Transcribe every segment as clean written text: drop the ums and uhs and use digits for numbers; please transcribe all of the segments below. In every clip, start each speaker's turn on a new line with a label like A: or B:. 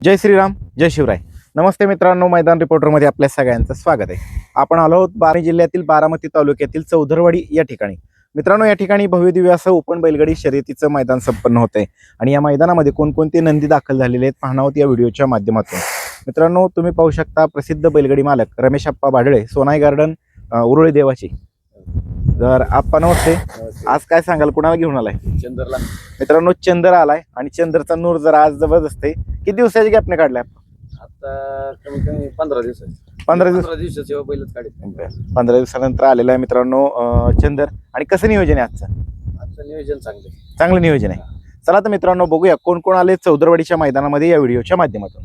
A: जय श्रीराम, जय शिवराय. नमस्ते मित्रांनो, मैदान रिपोर्टरमध्ये आपल्या सगळ्यांचं स्वागत आहे. आपण आलो आहोत बारामती जिल्ह्यातील बारामती तालुक्यातील चौधरवाडी या ठिकाणी. मित्रांनो, या ठिकाणी भव्यदिव्य असं ओपन बैलगाडी शर्यतीचं मैदान संपन्न होत आहे आणि या मैदानामध्ये कोणकोणते नंदी दाखल झालेले आहेत पाहणार आहोत या व्हिडिओच्या माध्यमातून. मित्रांनो, तुम्ही पाहू शकता प्रसिद्ध बैलगाडी मालक रमेश आप्पा भाडळे, सोनाई गार्डन, उरुळी देवाची. तर आप्पा नमस्ते. आज काय सांगाल, कुणाला घेऊन आलाय?
B: चंदरला.
A: मित्रांनो, चंदर आलाय आणि चंदरचा नूर जरा आज जबरदस्त आहे. किती दिवसाची गॅपने काढलाय?
B: आता कमी कमी 15 दिवस.
A: 15
B: दिवसाची बैलच काढत.
A: 15 दिवसानंतर आलेला आहे मित्रांनो चंदर. आणि कसं नियोजन आहे
B: आजचं नियोजन
A: चांगलं नियोजन आहे. चला तर मित्रांनो, बघूया कोण कोण आले चौधरवाडीच्या मैदानामध्ये या व्हिडिओच्या माध्यमातून.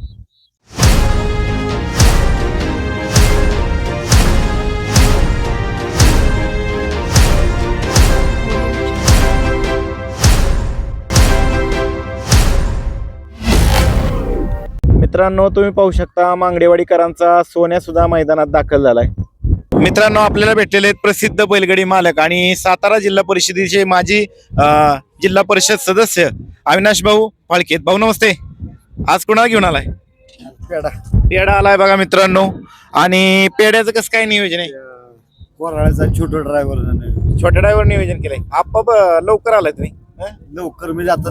A: मित्रांनो, तुम्ही पाहू शकता मांगडेवाडीकरांचा सोन्या सुद्धा मैदानात दाखल झालाय. मित्रांनो, आपल्याला भेटलेले आहेत प्रसिद्ध बैलगाडी मालक आणि सातारा जिल्हा परिषदेचे माजी जिल्हा परिषद सदस्य अविनाश भाऊ फाळके. भाऊ नमस्ते. आज कोणाला घेऊन आलाय? पेढा आलाय बघा मित्रांनो. आणि पेढ्याचं कसं काय नियोजन आहे?
B: छोटा ड्रायव्हर
A: छोट्या ड्रायव्हर नियोजन केलंय. आप्पा लवकर आलाय तुम्ही?
B: लवकर म्हणजे आता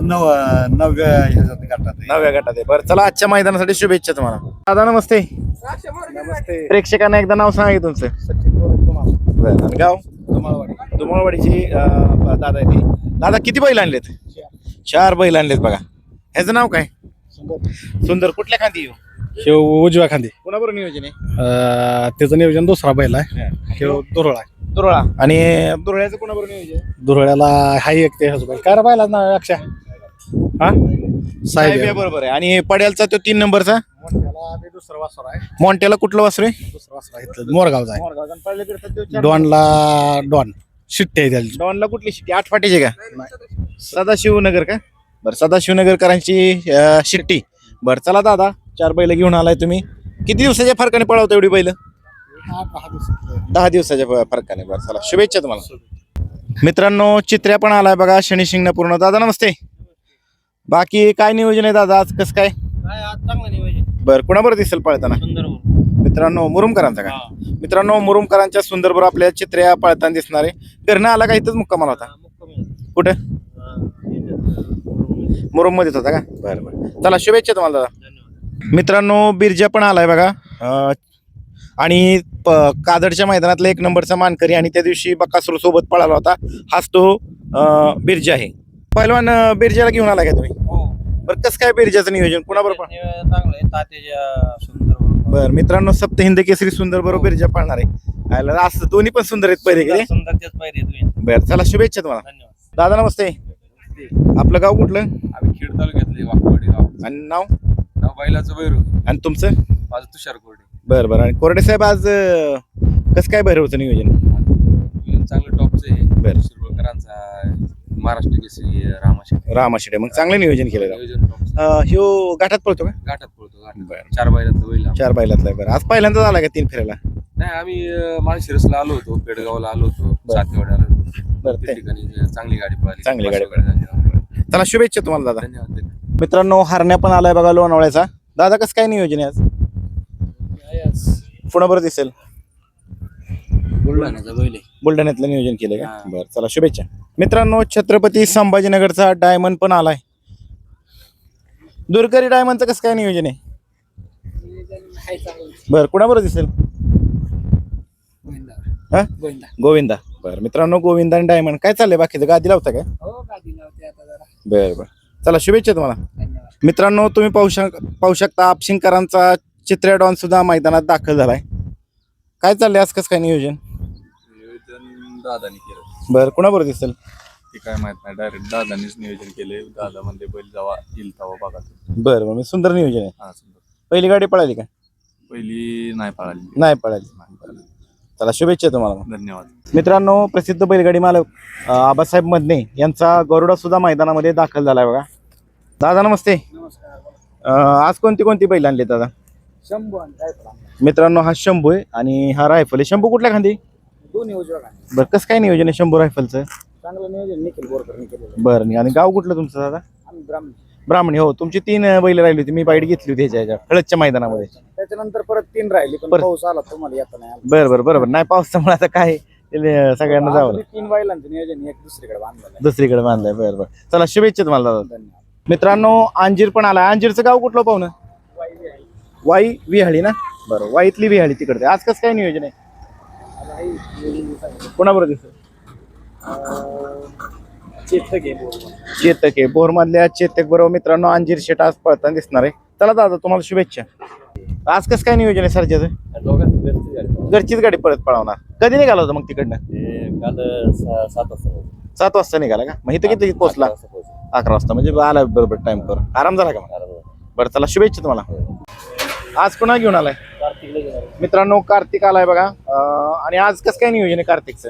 B: नवव्या
A: गटात आहे. बरं, चला आजच्या मैदानासाठी शुभेच्छा तुम्हाला. दादा नमस्ते.
B: नमस्ते.
A: प्रेक्षकांना एकदा नाव सांगा तुमचं. बरं, आणि गाव? दुमाळवाडीची दादा आहे ते. दादा किती बैल आणलेत? 4 बैल आणलेत बघा. ह्याचं नाव काय? सुंदर. कुठल्या खांदी?
C: उजव्या खांदी.
A: कोणाबरोबर नियोजन आहे?
C: त्याचं नियोजन दुसरा बैल आहे. दुरळा.
A: दुरळा. आणि दुरळ्याचं कोणाबरोबर नियोजन?
C: दुरळ्याला हाय एक ते बैल काय बैला ना अक्षा हा
A: साहेब बरोबर आहे. आणि पड्यालचा तो 3 नंबरचा
C: दुसरा वासर आहे.
A: मॉन्टेला कुठलं वासरू आहे?
C: दुसरा वासर आहे मोरगावचा आहे. डॉन शिट्टी आहे त्याची.
A: डॉनला कुठली शिट्टी? 8 फाटीची का? सदाशिवनगर का? बरं, सदाशिवनगरकरांची शिट्टी. बरं, चला दादा, 4 बैल घेऊन आलाय तुम्ही. किती दिवसाच्या फरकाने पळवता एवढी बैल? 10 दिवसाच्या फरकाने. बरं, चला शुभेच्छा तुम्हाला. मित्रांनो, चित्र्या पण आलाय बघा शनी शिंगणापूर्ण. दादा नमस्ते. बाकी काय नियोजन आहे दादा आज? कसं काय?
B: चांगलं नियोजन.
A: बरं, कुणाबरोबर दिसेल पळताना? मित्रांनो, मुरुमकरांचा का? मित्रांनो, मुरुमकरांच्या सुंदरबरोबर आपल्या चित्र्या पळताना दिसणार आहे. घरनं आला का? इथंच मुक्कामाला होता? कुठं? मुरुम मध्येच होता का? बरं बरं, चला शुभेच्छा तुम्हाला दादा. मित्रांनो, बिरजा पण आलाय बघा. आणि कादडच्या मैदानातला 1 नंबरचा मानकरी आणि त्या दिवशी बकासूर सोबत पळाला होता. हाच तो बिरजा आहे. पहिलवान बिरजाला घेऊन आला का तुम्ही? बरं, कसं काय बिरजाचं नियोजन? कुणाबरोबर? बरं मित्रांनो, सप्त हिंद केसरी सुंदर बरोबर बिरजा पाळणार आहे. असं दोन्ही पण सुंदर आहेत पहिले गेले. बरं, चला शुभेच्छा तुम्हाला. दादा नमस्ते. आपलं गाव कुठलं?
B: आम्ही खेड तालुक्यातले वाकवाडी गाव.
A: आणि नाव?
B: बैलाचं बैरू.
A: आणि तुमचं?
B: माझं तुषार कोरडे.
A: बरं बरं. आणि कोरडे साहेब, आज कसं काय भैरवचं नियोजन?
B: चांगलं टॉपचं आहे.
A: बरं,
B: शिरवळकरांचा महाराष्ट्र केसरी
A: रामाशिडे. मग चांगलं नियोजन केलं.
B: नियोजन टॉपचं.
A: ह्यो घाटात पळतो का?
B: घाटात पळतो.
A: बरं.
B: 4 बैलाचं बैल.
A: 4 बैलातला आहे. बरं, आज पहिल्यांदाच आला का 3 फेऱ्याला?
B: नाही, आम्ही माळशिरसला आलो होतो, पेडगावला आलो होतो, सातेवाड्याला आलो होतो.
A: बरं,
B: त्या ठिकाणी चांगली गाडी पळाली.
A: चांगली गाडी पळाली. चला शुभेच्छा तुम्हाला दादा.
B: धन्यवाद.
A: मित्रांनो, हरण्या पण आलाय बघा लोणावळ्याचा. दादा कसं काय नियोजन आहे आज? पुण्याबरोबर दिसेल?
B: बुलढाण्याचा बैल आहे.
A: बुलढाण्यातलं नियोजन केलं का? बरं, चला शुभेच्छा. मित्रांनो, छत्रपती संभाजीनगरचा डायमंड पण आलाय. दुरकरी डायमंडचं कसं काय नियोजन आहे? बरं, कुणाबरोबर दिसेल? गोविंदा. बरं मित्रांनो, गोविंदा आणि डायमंड. काय चाललंय बाकीचं? गादी लावता काय? बरं बरं, चला शुभेच्छा तुम्हाला. मित्रांनो, तुम्ही पाहू शकता आपशिंगकरांचा चित्र्या डॉन सुद्धा मैदानात दाखल झालाय. काय चाललंय आज? कसं काय नियोजन?
B: दादानी केलं.
A: बरं, कुणाबरोबर दिसेल?
B: ते काय माहित नाही, डायरेक्ट दादानीच नियोजन केले. दादा म्हणजे बैल जेव्हा येईल तेव्हा बघा.
A: बरं बरं, सुंदर नियोजन आहे.
B: हा, सुंदर.
A: पहिली गाडी पळाली का?
B: पहिली नाही पळाली.
A: नाही पळाली. चला शुभेच्छा तुम्हाला.
B: धन्यवाद.
A: मित्रांनो, प्रसिद्ध बैलगाडी मालक आबासाहेब मदने यांचा गरुडा सुद्धा मैदानामध्ये दाखल झालाय बघा. दादा नमस्ते. आज कोणती कोणती बैल आणली दादा?
C: शंभू.
A: मित्रांनो, हा शंभू आहे आणि हा रायफल आहे. शंभू कुठल्या खांदी?
C: दोन्ही उजव्या खांदी.
A: बरं, कसं काय नियोजन आहे शंभू रायफलचं?
C: चांगलं नियोजन निखिल बोरकरने केलेलं.
A: बरं, आणि गाव कुठलं तुमचं दादा?
C: आम्ही ब्राह्मण.
A: ब्राह्मणी हो, तुमची 3 बैल राहिली होती, मी बाईट घेतली होती ह्याच्या हळदच्या मैदानामध्ये.
C: त्याच्यानंतर परत 3 राहिली पण
A: परत-
C: पाऊस आला तुम्हाला येता नाही आला.
A: बरं बरोबर नाही पावसामुळे आता काय सगळ्यांना जावं
C: अजून 3 बैलांचं नियोजन एक दुसरीकडे बांधलेलं
A: दुसरीकडे बांधलंय. बरं बरं चला शुभेच्छा तुम्हाला दादा.
C: आहे. धन्यवाद.
A: मित्रांनो अंजीर पण आला. अंजीरचं गाव कुठलं पाहुणं? वाई विहाळी ना. बरं वाईतली विहाळी तिकडे. आज कसं काय नियोजन आहे? कोणाबरोबर दिसत? चेतक आहे बोरमधल्या चेतक बरोबर. मित्रांनो अंजीर शेट आज पळताना दिसणार आहे. चला दादा तुम्हाला शुभेच्छा. आज कसं काय नियोजन आहे सरच्याचं? घरचीच गाडी परत पळवणार. कधी निघाला होता मग तिकडनं?
B: काल
A: 7 वाजता निघाला का? मग इथं किती पोहोचला? 11 वाजता म्हणजे आला बरोबर टाइम पर. आराम झाला का मग? बरं चला शुभेच्छा तुम्हाला. आज कोणा घेऊन आलाय? मित्रांनो कार्तिक आलाय बघा. आणि आज कसं काय नियोजन आहे कार्तिकचं?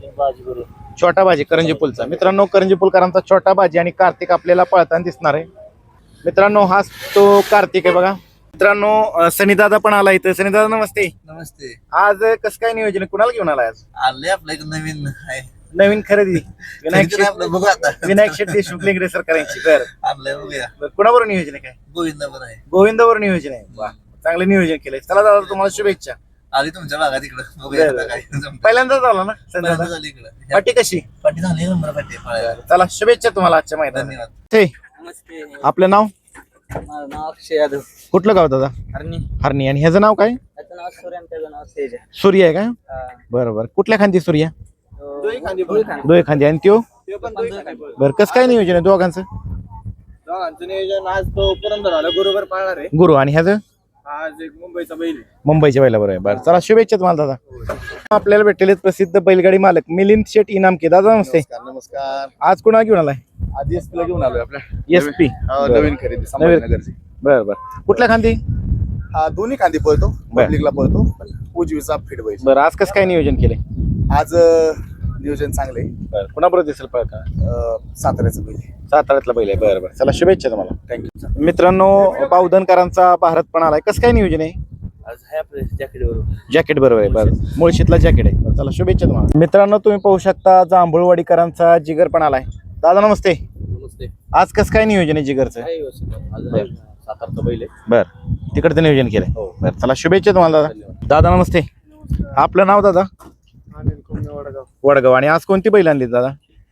A: छोटा बाजी करंजी पुलचा. मित्रांनो करंजी पुलकरांचा छोटा बाजी आणि कार्तिक आपल्याला पळताना दिसणार आहे. मित्रांनो हाच तो कार्तिक आहे बघा. मित्रांनो सनीदादा पण आला इथं. सनीदादा नमस्ते.
B: नमस्ते.
A: आज कसं काय नियोजन आहे? कुणाला घेऊन आलाय आज?
B: आले आपल्याकडे नवीन आहे.
A: नवीन खरेदी विनायक शेट
B: आपलं बघू आता.
A: विनायक शेट देशमुख लेंगरे सरकारांची. बरं
B: आणलंय बघूया.
A: कुणाबरोबर नियोजन आहे? काय
B: गोविंदावर आहे.
A: गोविंदावर नियोजन आहे. वा चांगलं नियोजन केलंय. चला दादा तुम्हाला शुभेच्छा.
B: आली तुमच्या भागात इकडं बघूया आता काय जमतंय.
A: पहिल्यांदाच आला ना
B: पहिल्यांदा
A: संध्याकाळ.
B: झाली इकडं.
A: पाठी कशी?
B: पाठी झाली नंबर पाठी पळायला.
A: चला शुभेच्छा तुम्हाला आजच्या मैदानात.
B: धन्यवाद.
A: ते
D: नमस्ते.
A: आपलं नाव
D: माझं नाव अक्षय यादव.
A: कुठलं गाव दादा?
D: हरणी.
A: हरणी. आणि ह्याचं नाव काय?
D: त्याचं नाव सूर्य आणि त्याचं नाव तेज आहे.
A: सूर्य आहे का? बरं बरं कुठल्या खांदी सूर्य?
D: दोन्ही खांदी.
A: दोय खांदी. आणि त्यो बरं कसं काय नियोजन आहे दोघांचं?
C: दोघांचं नियोजन आज तो पुरंदर आला बरोबर पाळणार आहे.
A: गुरु आणि ह्याचं
C: आज एक मुंबईचा बैल आहे.
A: मुंबईच्या बैला बरोबर आहे. बरं चला शुभेच्छा तुम्हाला दादा. आपल्याला भेटलेले प्रसिद्ध बैलगाडी मालक मिलिंद शेट इनामके. दादा नमस्ते.
C: नमस्कार.
A: आज कुणाला घेऊन आलाय?
C: आधी एसपीला घेऊन आलोय आपल्या
A: एसपी.
C: नवीन खरेदी संभाजीनगरची.
A: बरं बरं कुठल्या खांदी?
C: हा दोन्ही कांदी पळतो.
A: बर.
C: पब्लिकला पळतो. उजवीचा फिट बैल.
A: बरं आज कसं काय नियोजन केलंय?
C: आज नियोजन चांगले.
A: बरं कुणाबरोबर दिसेल पळका?
C: साताऱ्याचं बैल.
A: साताऱ्यातला बैल आहे. बरं बरं चला शुभेच्छा तुम्हाला.
C: थँक्यू.
A: मित्रांनो बावधनकरांचा भारत पण आलाय. कसं काय नियोजन आहे?
D: आज आहे आपल्या जॅकेट बरोबर.
A: जॅकेट बरोबर आहे. बरं मुळशीतला जॅकेट आहे. बरं, चला शुभेच्छा तुम्हाला. मित्रांनो तुम्ही पाहू शकता जांभूळवाडीकरांचा जिगर पण आलाय. दादा नमस्ते.
D: नमस्ते.
A: आज कसं काय नियोजन आहे जिगरचं?
D: आहे व्यवस्थित. आज
A: बर.
D: सातारचा बैल आहे.
A: बरं तिकडचं नियोजन केलंय.
D: हो.
A: बरं चला शुभेच्छा तुम्हाला दादा. दादा नमस्ते. आपलं नाव दादा? वडगाव. आणि आज कोणती बैल आणली दादा?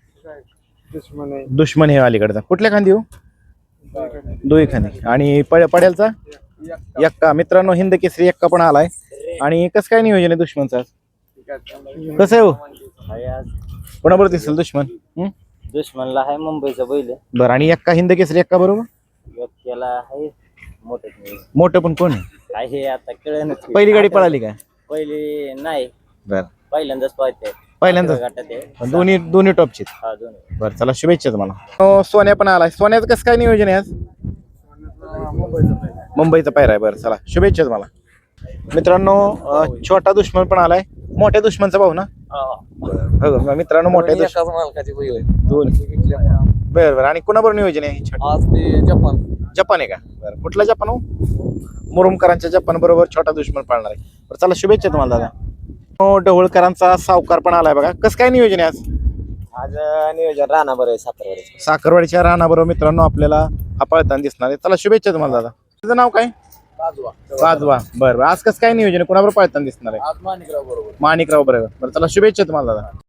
A: दुश्मन हे अलीकडचा. कुठल्या खांदी हो? दोही खांदी. आणि पड्यालचा एक्का. मित्रांनो हिंद केसरी एक्का पण आलाय. आणि कसं काय नियोजन आहे दुश्मनचं आज? कसं आहे हो?
D: आहे आज
A: कोणाबरोबर दिसेल दुश्मन?
D: दुश्मनला आहे मुंबईचा बैल आहे.
A: बरं आणि एक्का हिंद केसरी एक्का बरोबर?
D: व्यक्तीला आहे मोठं.
A: मोठं पण कोण आहे?
D: आहे आता कळलं.
A: पहिली गाडी पळाली का?
D: पहिली नाही.
A: बरं
D: पहिल्यांदाच पाहते.
A: पहिल्यांदाच.
D: गटात आहे.
A: दोन्ही टॉपची.
D: हा दोन्ही.
A: बरं चला शुभेच्छा तुम्हाला. सोन्या पण आलाय. सोन्याचं कसं काय नियोजन आहे आज? मुंबईचा पायरा आहे. बरं चला शुभेच्छा तुम्हाला. मित्रांनो छोटा दुश्मन पण आलाय. मोठ्या दुश्मनचा भाऊ ना? हो मित्रांनो मोठ्या
D: मालकाची बैल आहे.
A: दोन. बरं बरं आणि कुणाबरोबर नियोजन आहे?
D: आज ते जपान.
A: जपान आहे का? बरं कुठला जपान हो? मुरुमकरांच्या जपान बरोबर छोटा दुश्मन पाळणार आहे. बरं चला शुभेच्छा तुम्हाला दादा. ढवळकरांचा सावकार पण आलाय बघा. कसं काय नियोजन आहे आज?
D: आज नियोजन राहणार बरं आहे सातारवाडी.
A: साखरवाडीच्या रानाबरोबर मित्रांनो आपल्याला हा पळताना दिसणार आहे. चला शुभेच्छा तुम्हाला दादा. तुझं नाव काय? वाजवा. बरं आज कसं काय नियोजन आहे? कोणाबरोबर पळताना दिसणार आहे?
D: आज माणिकराव बरोबर.
A: माणिकराव बरोबर. बरं चला शुभेच्छा तुम्हाला दादा.